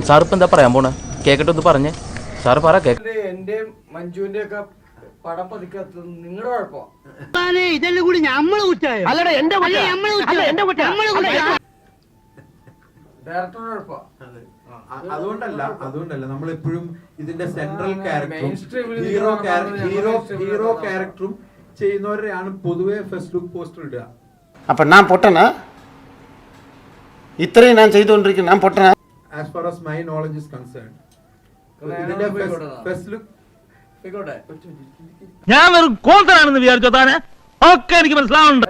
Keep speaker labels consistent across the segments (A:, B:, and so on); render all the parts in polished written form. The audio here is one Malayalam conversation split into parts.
A: സാർ ഇപ്പം എന്താ പറയാൻ പോണേ? കേക്കട്ടെ ഒന്ന് പറഞ്ഞേ സാറ് പറ.
B: എന്റെ മഞ്ജുവിന്റെ ഒക്കെ പടം പതിക്കാത്തത് നിങ്ങളുടെ കുഴപ്പം.
C: ഇതെല്ലാം കൂടി നമ്മള് കുറ്റായോ? അല്ലടാ എന്റെ
B: ഡയറക്ടറുടെ കുഴപ്പം.
D: അതുകൊണ്ടല്ല നമ്മളെപ്പോഴും ഇതിന്റെ സെൻട്രൽ ക്യാരക്ടറും ഹീറോ ക്യാരക്ടറും ചെയ്യുന്നവരെയാണ് പൊതുവെ ഫസ്റ്റ് ലുക്ക് പോസ്റ്റർ ഇടുക.
E: അപ്പൊ ഞാൻ പൊട്ടനാ? ഇത്രയും ഞാൻ ചെയ്തുകൊണ്ടിരിക്കുന്നു, ഞാൻ പൊട്ടനാ?
D: As far as my knowledge is concerned, ഇതിന്റെ ഫസ്റ്റ് ലുക്ക്
C: ഞാൻ വെറും കോന്തനാണെന്ന് വിചാരിച്ചോ താനെ? ഒക്കെ എനിക്ക് മനസ്സിലാവുന്നുണ്ട്.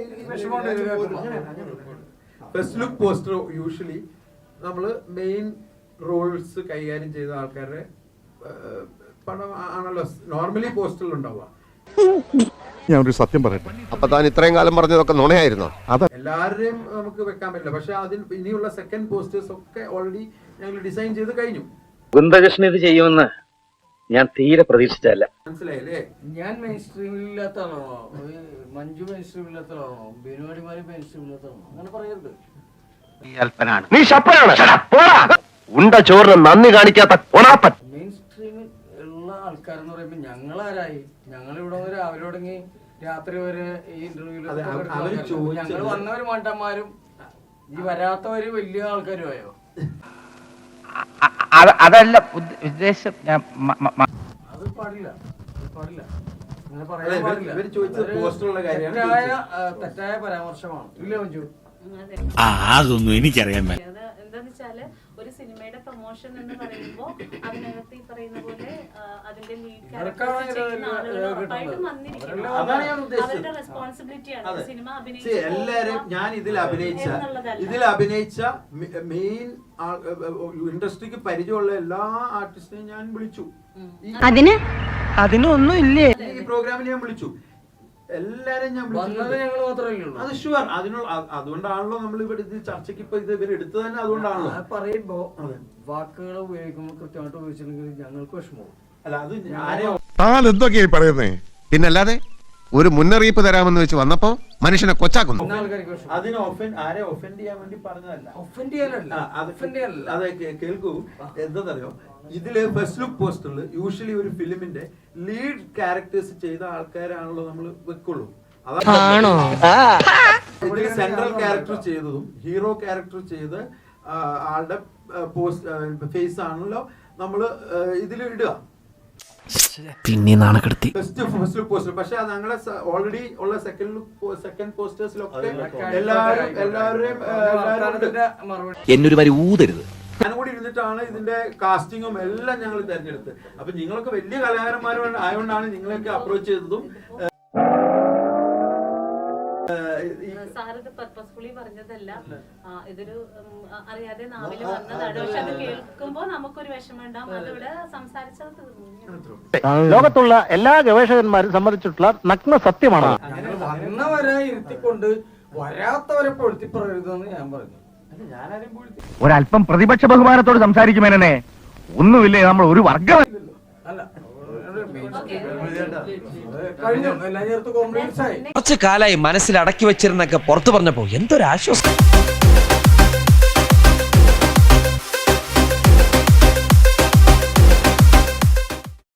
D: ഫസ്റ്റ് ലുക്ക് പോസ്റ്റർ യൂഷ്വലി നമ്മള് മെയിൻ റോൾസ് കൈകാര്യം ചെയ്ത ആൾക്കാരുടെ പടം ആണല്ലോ നോർമലി പോസ്റ്ററിൽ ഉണ്ടാവുക.
F: ഞാൻ ഒരു സത്യം പറയട്ടെ,
G: അപ്പൊ താൻ ഇത്രയും കാലം പറഞ്ഞതൊക്കെ നുണയായിരുന്നോ?
D: എല്ലാവരെയും നമുക്ക് വെക്കാൻ പറ്റില്ല. പക്ഷെ അതിൽ ഇനിയുള്ള സെക്കൻഡ് പോസ്റ്റേഴ്സ് ഒക്കെ ഓൾറെഡി ഞങ്ങൾ ഡിസൈൻ ചെയ്ത് കഴിഞ്ഞു.
H: ഗുന്തകൃഷ്ണൻ ഇത് ചെയ്യുമെന്ന് ഞാൻ തീരെ പ്രതീക്ഷിച്ചല്ല.
D: മനസ്സിലായില്ലേ?
B: ഞാൻ മെയിൻ സ്ട്രീമില്ലാത്താണോ? മഞ്ജു മെയിൻ സ്ട്രീമില്ലാത്താണോ? ബിനുവാടിമാര് മെയിൻ സ്ട്രീമില്ലാത്താണോ? അങ്ങനെ പറയരുത്.
H: നീ ശപ്പനാണ്. ഉണ്ട ചോറിന് നന്ദി കാണിക്കാത്ത കൊണാപ്പൻ.
B: മെയിൻ സ്ട്രീമിൽ ഉള്ള ആൾക്കാരെന്ന് പറയുമ്പോ ഞങ്ങളാരായി? ഞങ്ങളിവിടെ രാവിലെ തുടങ്ങി രാത്രി വരെ ഈ ഇന്റർവ്യൂല് ഞങ്ങൾ വന്നവര് മണ്ടന്മാരും ഈ വരാത്തവര് വലിയ ആൾക്കാരും ആയോ?
A: അതല്ല ഉദ്ദേശം.
B: അത് പാടില്ല, പാടില്ല. തെറ്റായ പരാമർശമാണ്. ഇല്ല മഞ്ജു?
C: അതൊന്നും എനിക്കറിയാൻ
I: എന്താന്ന് വെച്ചാല് ഒരു സിനിമയുടെ പ്രൊമോഷൻ എന്ന് പറയുമ്പോ അതിനകത്ത് ഈ പറയുന്ന പോലെ അതിന്റെ ലീഡ് ക്യാരക്ടേഴ്സ് ചെയ്യുന്ന ആളുകൾ ഉറപ്പായിട്ടും വന്നിരിക്കണം. അവരുടെ റെസ്പോൺസിബിലിറ്റിയാണ് സിനിമ അഭിനയിച്ച
D: എല്ലാരും. ഞാൻ ഇതിൽ അഭിനയിച്ച മെയിൻ ഇൻഡസ്ട്രിക്ക് പരിചയമുള്ള എല്ലാ ആർട്ടിസ്റ്റിനെയും ഞാൻ വിളിച്ചു.
C: അതിനൊന്നും ഇല്ലേ?
D: ഈ പ്രോഗ്രാമിൽ ഞാൻ വിളിച്ചു എല്ലാരും. ഞാൻ അത് ഷുവർ. അതുകൊണ്ടാണല്ലോ നമ്മൾ ഇവിടെ ഇത് ചർച്ചയ്ക്ക് ഇപ്പൊ ഇത് ഇവരെടുത്ത് തന്നെ. അതുകൊണ്ടാണല്ലോ
B: പറയുമ്പോ വാക്കുകൾ ഉപയോഗിക്കുമ്പോൾ കൃത്യമായിട്ട് ഉപയോഗിച്ചില്ലെങ്കിൽ ഞങ്ങൾക്ക് വിഷമവും.
D: അല്ല അത് ആരെ
G: താൻ എന്തൊക്കെയായി പറയുന്നേ? പിന്നല്ലാതെ ഒരു മുന്നറിയിപ്പ് തരാമെന്ന് വെച്ച് വന്നപ്പോ മനുഷ്യനെ കൊച്ചാക്കുന്നു.
D: അതിനെ ആരെ ഒഫൻഡ് ചെയ്യാൻ വേണ്ടി പറഞ്ഞതല്ല.
B: ഒഫൻഡ് ചെയ്യാനല്ല.
D: അതെ, കേൾക്കൂ. എന്താണെന്നറിയോ, ഇതില് ഫസ്റ്റ് ലുക്ക് പോസ്റ്ററിൽ യൂഷ്വലി ഒരു ഫിലിമിന്റെ ലീഡ് ക്യാരക്ടേഴ്സ് ചെയ്ത ആൾക്കാരാണല്ലോ നമ്മൾ വെക്കുള്ളൂ. അതാണ് ഇതിൽ സെൻട്രൽ ക്യാരക്ടർ ചെയ്തതും ഹീറോ ക്യാരക്ടർ ചെയ്ത് ആളുടെ ഫേസ് ആണല്ലോ നമ്മള് ഇതിൽ ഇടുക.
A: പിന്നെ നാണക്കെടുത്തി
D: ഫസ്റ്റ് ലുക്ക് പോസ്റ്റർ. പക്ഷെ ഞങ്ങളെ ഓൾറെഡി ഉള്ള സെക്കൻഡ് പോസ്റ്റേഴ്സിലൊക്കെ എല്ലാവരെയും
A: എന്നൊരു വരി ഊതരുത്.
D: ഞാനും കൂടി ഇരുന്നിട്ടാണ് ഇതിന്റെ കാസ്റ്റിങ്ങും എല്ലാം ഞങ്ങൾ തെരഞ്ഞെടുത്ത്. അപ്പൊ നിങ്ങളൊക്കെ വലിയ കലാകാരന്മാരും ആയതുകൊണ്ടാണ് നിങ്ങളെയൊക്കെ അപ്രോച്ച് ചെയ്തതും.
I: സാറിത് പർപ്പസ്ഫുള്ളി പറഞ്ഞതല്ല, ഇതൊരു അറിയാതെ നാവില് വന്നതാണ്. പക്ഷെ അത് കേൾക്കുമ്പോ നമുക്കൊരു വിഷമം ഉണ്ടാവും. അതിവിടെ സംസാരിച്ചത് തീർന്നു.
C: ലോകത്തുള്ള എല്ലാ ഗവേഷകന്മാരും സമ്മതിച്ചിട്ടുള്ള നഗ്ന സത്യമാണ്.
B: വന്നവരെ ഇരുത്തിക്കൊണ്ട് വരാത്തവരെ പൊഴുത്തി പറയരുതെന്ന് ഞാൻ പറഞ്ഞു.
C: ഒരല്പം പ്രതിപക്ഷ ബഹുമാനത്തോട് സംസാരിക്കുമേനെ. ഒന്നുമില്ലേ, നമ്മൾ ഒരു വർഗം
B: അല്ല. കഴിഞ്ഞു എല്ലാം ചേർത്ത് കോംപ്രമൈസ് ആയി.
A: കുറച്ചു കാലായി മനസ്സിൽ അടക്കി വെച്ചിരുന്നൊക്കെ പുറത്തു പറഞ്ഞപ്പോ എന്തൊരാശ്വാസം.